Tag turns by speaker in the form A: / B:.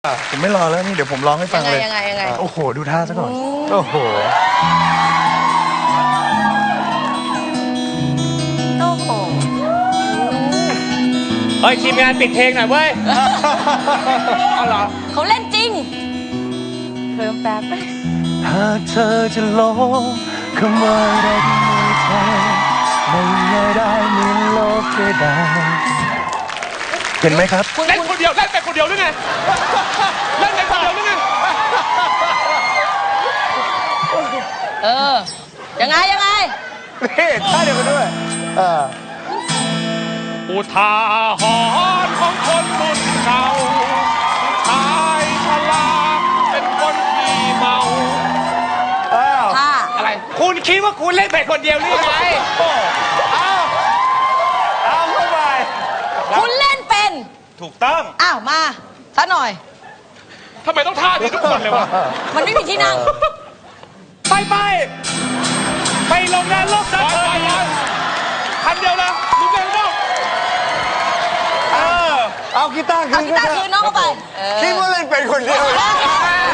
A: ผมไม่รอแล้วนี่เดี๋ยวผมร้องให้ฟังเลย
B: ยังไง
A: โอ้โหดูท่าซะก่อนโอ้โห
B: โอ้โห
C: เฮ้ยทีมงานปิดเพลงหน่อยเว้ย เอาเหรอ
B: เขาเล่นจริงเพิ่มแป๊บ
A: หากเธอจะลงคำว่ารักในใจไม่ได้ในโลกได้เห็นไหมครับ
C: เล่นคนเดียวเล่นไปคนเดียวหรือไง เล่นไปคนเดียวหรือไง
B: ยังไง
A: นี่ท่าเดียวกันด้วย
C: อุทาหรณ์ของคนรุ่นเก่าชายชราเป็นคนที่เมา
B: ค่ะ
C: อะไร คุณคิดว่าคุณเล่นไปคนเดียวหรือไง
A: เอาเข้าไป
B: คุณเล่นเป็น
C: ถูกต้อง
B: อ้าวมาซะหน่อย
C: ทำไมต้องท่านี้ทุกคนเลยวะ
B: มันไม่มีที่นั่ง
C: ไปลงนรกนะคันเดียวนะลุกเร็วบ้าง
A: เอากีตาร์คื
B: เอา
A: น
B: กีตาร์คืนน้องเข้าไป
A: คิดว่าเล่นเป็นคนเดียว